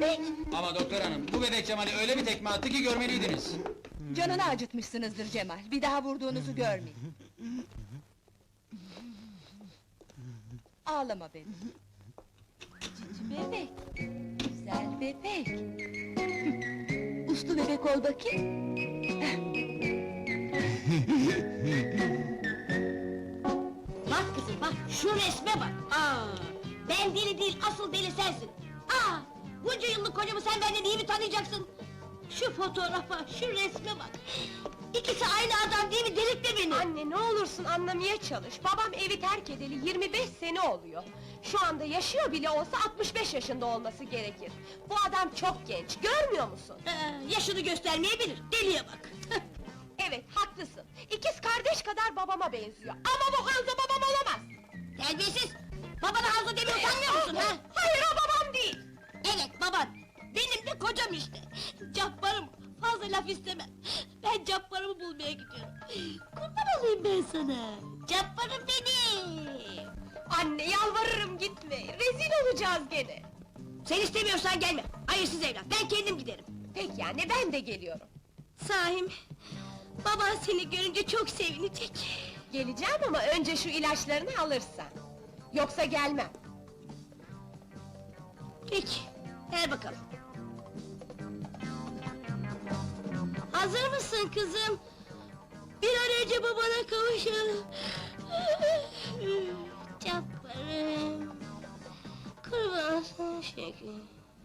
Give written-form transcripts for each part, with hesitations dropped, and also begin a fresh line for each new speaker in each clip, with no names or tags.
demek?
Ama doktor hanım, bu bebek Cemal'i öyle bir tekme attı ki görmeliydiniz.
Canını acıtmışsınızdır Cemal, bir daha vurduğunuzu görmeyin. Ağlama benim. Cici bebek, güzel bebek. Uslu bebek ol bakayım.
Bak kızım bak, şu resme bak! Ben deli değil, asıl deli sensin! Bunca yıllık kocamı sen benden iyi mi tanıyacaksın? Şu fotoğrafa, şu resme bak! İkisi aynı adam değil mi? Delirtme beni!
Anne ne olursun anlamaya çalış. Babam evi terk edeli 25 sene oluyor. Şu anda yaşıyor bile olsa 65 yaşında olması gerekir. Bu adam çok genç, görmüyor musun?
Yaşını göstermeyebilir, deliye bak!
Evet, haklısın. İkiz kardeş kadar babama benziyor. Ama bu Hanzo babam olamaz!
Terbiyesiz! Babana Hanzo demiyor, utanmıyor musun ha?
Hayır, o babam değil!
Evet baban! Benim de kocam işte! Cabbarım, fazla laf istemem! Ben Cabbarımı bulmaya gidiyorum! Kurban olayım ben sana! Cabbarım benim!
Anne yalvarırım gitme, rezil olacağız gene!
Sen istemiyorsan gelme! Hayırsız evlat, ben kendim giderim!
Peki anne, ben de geliyorum.
Sahim, baban seni görünce çok sevinecek!
Geleceğim ama önce şu ilaçlarını alırsan. Yoksa gelmem.
Peki, ver bakalım! Hazır mısın kızım? Bir an önce babana kavuşalım! Cabbarım! Kurban olsun şekerim!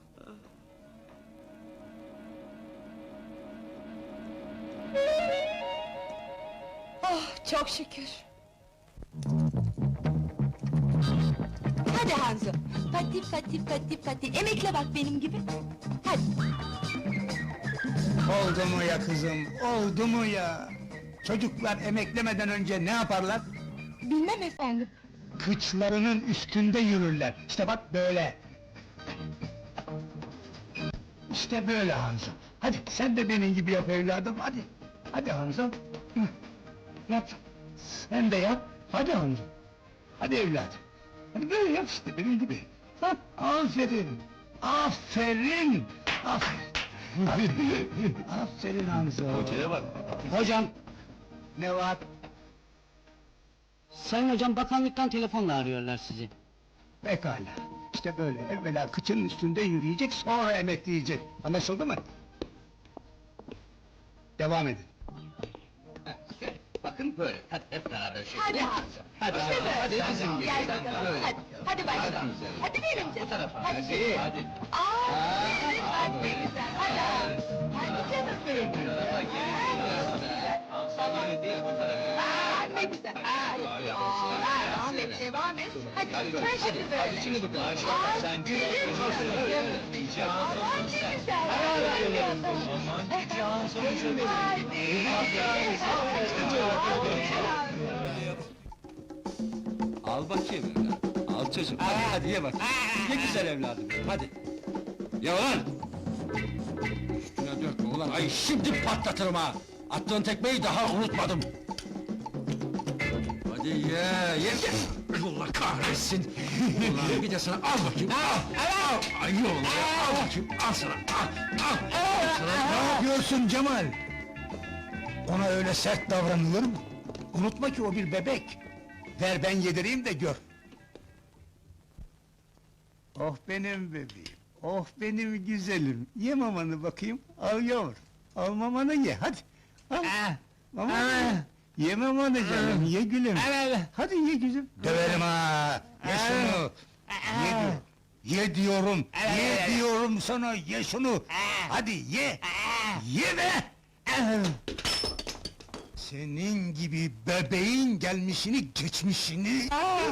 Oh, çok şükür!
Hadi Hanzo, pati pati pati pati, emekle bak benim gibi. Hadi.
Oldu mu ya kızım, oldu mu ya? Çocuklar emeklemeden önce ne yaparlar?
Bilmem efendim.
Kıçlarının üstünde yürürler. İşte bak böyle. İşte böyle Hanzo. Hadi sen de benim gibi yap evladım, hadi. Hadi Hanzo. Hı, yap. Sen de yap. Hadi Hanzo. Hadi evladım. Hadi böyle yap işte benim gibi. Bak, aferin. Aferin. Aferin. Aferin Hanzo.
Hocaya bak.
Hocam. Ne var?
Sayın hocam, bakanlıktan telefonla arıyorlar sizi.
Pekala. İşte böyle, evvela kıçının üstünde yürüyecek, sonra emekleyecek. Anlaşıldı mı? Devam edin.
Bakın böyle, hadi hep beraber şöyle.
Hadi Hanzo.
Hadi,
İşte böyle.
hadi bizim gibi.
Gel bakalım,
Böyle.
hadi. Hadi başla. Hadi benim canım. Hadi canım.
Hadi.
Evet, hadi ne güzel, hadi Hanzo. Hadi canım benim. Ne güzel, Ahmet devam et. Hadi, sen şimdi böyle.
Şimdi bakın. Sen
Aman ne güzel.
Al bakayım evladım, al çocuğum, hadi ye bak! Ye güzel evladım, hadi! Ye ulan! Üstüne dökme ulan, ay şimdi patlatırım ha! Attığın tekmeyi daha unutmadım! Hadi ye! Allah kahretsin! Ulan bir de sana al bakayım, al! Ay oğlum ya, al bakayım, al sana, al!
Ne yapıyorsun Cemal? Ona öyle sert davranılır mı? Unutma ki o bir bebek. Ver ben yedireyim de gör. Oh benim bebeğim, oh benim güzelim. Ye mamanı bakayım, al yavrum. Al mamanı ye, hadi. Al. Mamanı ye. Ye mamanı canım, ye gülüm. Hadi ye güzüm. Döverim ha! Ye şunu! Ye diyorum. Ye diyorum, ye diyorum sana, ye şunu! Hadi ye! Ye be! Senin gibi bebeğin gelmişini, geçmişini...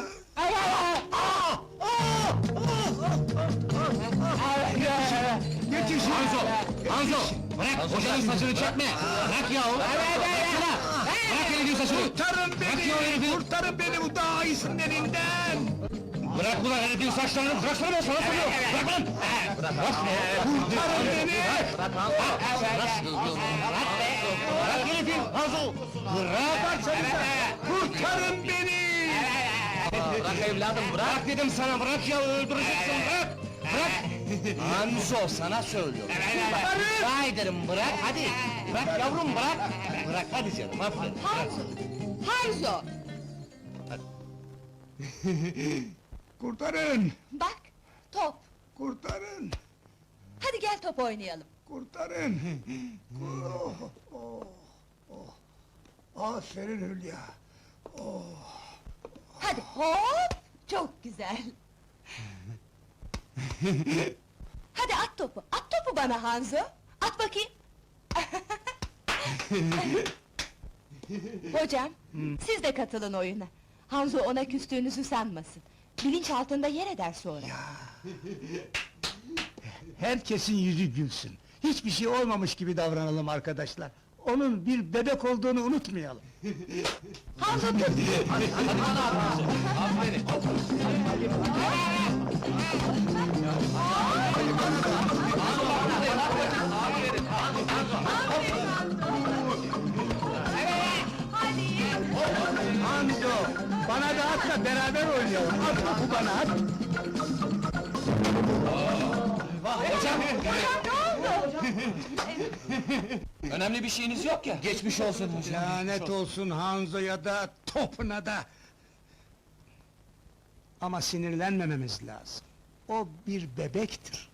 Yetişin!
Hanzo! Bırak, hocanın saçını çekme! Bırak yahu! Bıraksana! Bırak herifin saçını!
Kurtarın beni! Kurtarın beni bu daha iyisinin elinden!
Bırak ulan herifin saçlarını, bıraksana ben sana soruyorum! Bırak lan!
Kurtarın beni!
Bırak herifin, Hanzo! Bırak!
Kurtarın beni!
Bırak evladım, bırak dedim sana, bırak ya, öldüreceksin, bırak! Bırak!
Hanzo sana söylüyorum. Rica ederim bırak hadi. Bırak yavrum bırak. Bırak hadi canım aferin.
Hanzo!
Kurtarın!
Bak, top!
Kurtarın!
Hadi gel top oynayalım.
Kurtarın! Oh, oh, oh. Aferin Hülya!
Hadi hop! Çok güzel! Hadi at topu, at topu bana Hanzo! At bakayım! Hocam, siz de katılın oyuna. Hanzo ona küstüğünüzü sanmasın. Bilinç altında yer eder sonra.
Herkesin yüzü gülsün. Hiçbir şey olmamış gibi davranalım arkadaşlar. Onun bir bebek olduğunu unutmayalım.
Hanzo tut!
Hanzo, bana da at da beraber oynayalım. At topu bana, at!
Önemli bir şeyiniz yok ya. Geçmiş olsun hocam.
Lanet olsun Hanzo'ya da, topuna da! Ama sinirlenmememiz lazım. O bir bebektir.